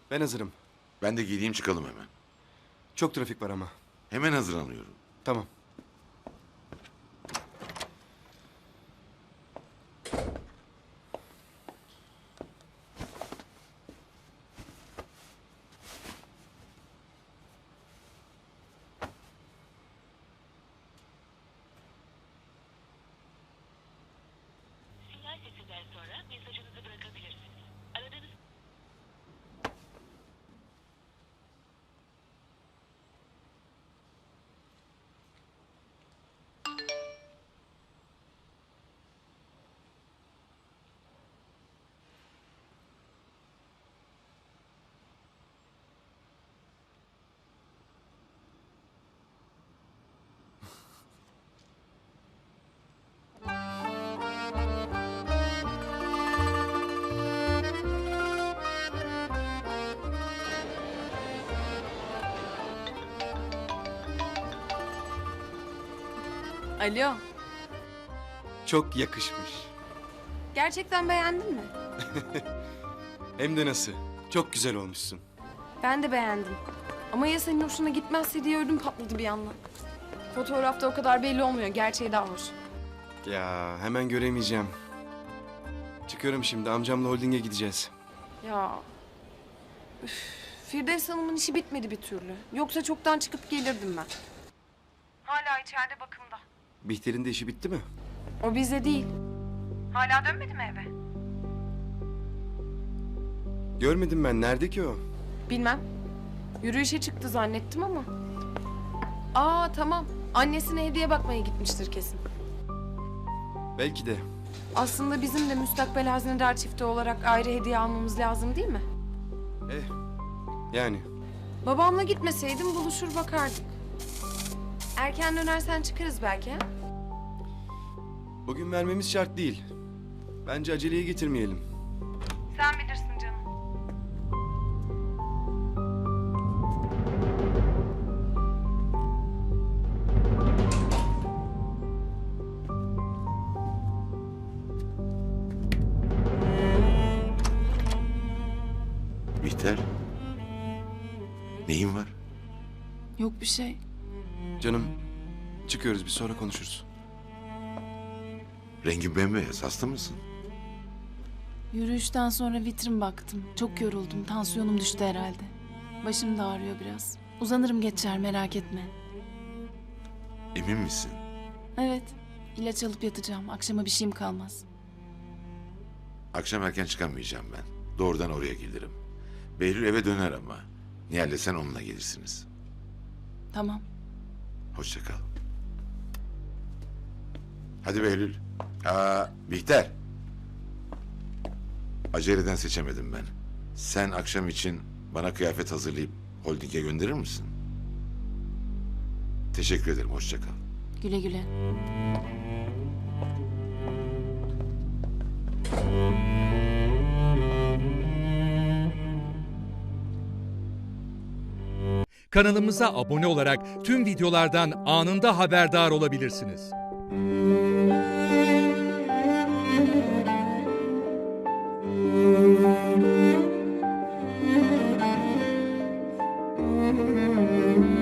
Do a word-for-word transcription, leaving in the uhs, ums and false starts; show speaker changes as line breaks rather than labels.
Ben hazırım.
Ben de giyeyim çıkalım hemen.
Çok trafik var ama.
Hemen hazırlanıyorum.
Tamam.
Sinyal sesinden sonra mesajınızı bırakabilirsiniz. Aradığınız
Alo,
Çok yakışmış.
gerçekten beğendin mi?
Hem de nasıl? Çok güzel olmuşsun.
Ben de beğendim. Ama ya senin hoşuna gitmezse diye ödüm patladı bir yandan. Fotoğrafta o kadar belli olmuyor, gerçeği daha hoş.
Ya hemen göremeyeceğim. Çıkıyorum şimdi. Amcamla holdinge gideceğiz.
Ya... Üf, Firdevs Hanım'ın işi bitmedi bir türlü. Yoksa çoktan çıkıp gelirdim ben. Hala içeride bakımda.
Bihter'in de işi bitti mi?
O bize değil. Hala dönmedi mi eve?
Görmedim ben. Nerede ki o?
Bilmem. Yürüyüşe çıktı zannettim ama. Aa tamam. Annesine hediye bakmaya gitmiştir kesin.
Belki de.
Aslında bizim de müstakbel hazinedar çifti olarak ayrı hediye almamız lazım değil mi?
Eh. Yani.
Babamla gitmeseydim buluşur bakardık. Erken dönersen çıkarız belki ha?
Bugün vermemiz şart değil. Bence aceleye getirmeyelim.
Sen bilirsin canım.
Bihter. Neyin var?
Yok bir şey.
Canım. Çıkıyoruz. Bir sonra konuşuruz.
Rengin bembeyaz. Hasta mısın?
Yürüyüşten sonra vitrin baktım. Çok yoruldum. Tansiyonum düştü herhalde. Başım da ağrıyor biraz. Uzanırım geçer merak etme.
Emin misin?
Evet. İlaç alıp yatacağım. Akşama bir şeyim kalmaz.
Akşam erken çıkamayacağım ben. Doğrudan oraya gelirim. Behlül eve döner ama. Nihal'le sen onunla gelirsiniz.
Tamam.
Hoşça kal. Hadi Behlül. Aa, Bihter. Aceleden seçemedim ben. Sen akşam için bana kıyafet hazırlayıp holdinge gönderir misin? Teşekkür ederim. Hoşça kal.
Güle güle.
Kanalımıza abone olarak tüm videolardan anında haberdar olabilirsiniz.
Müzik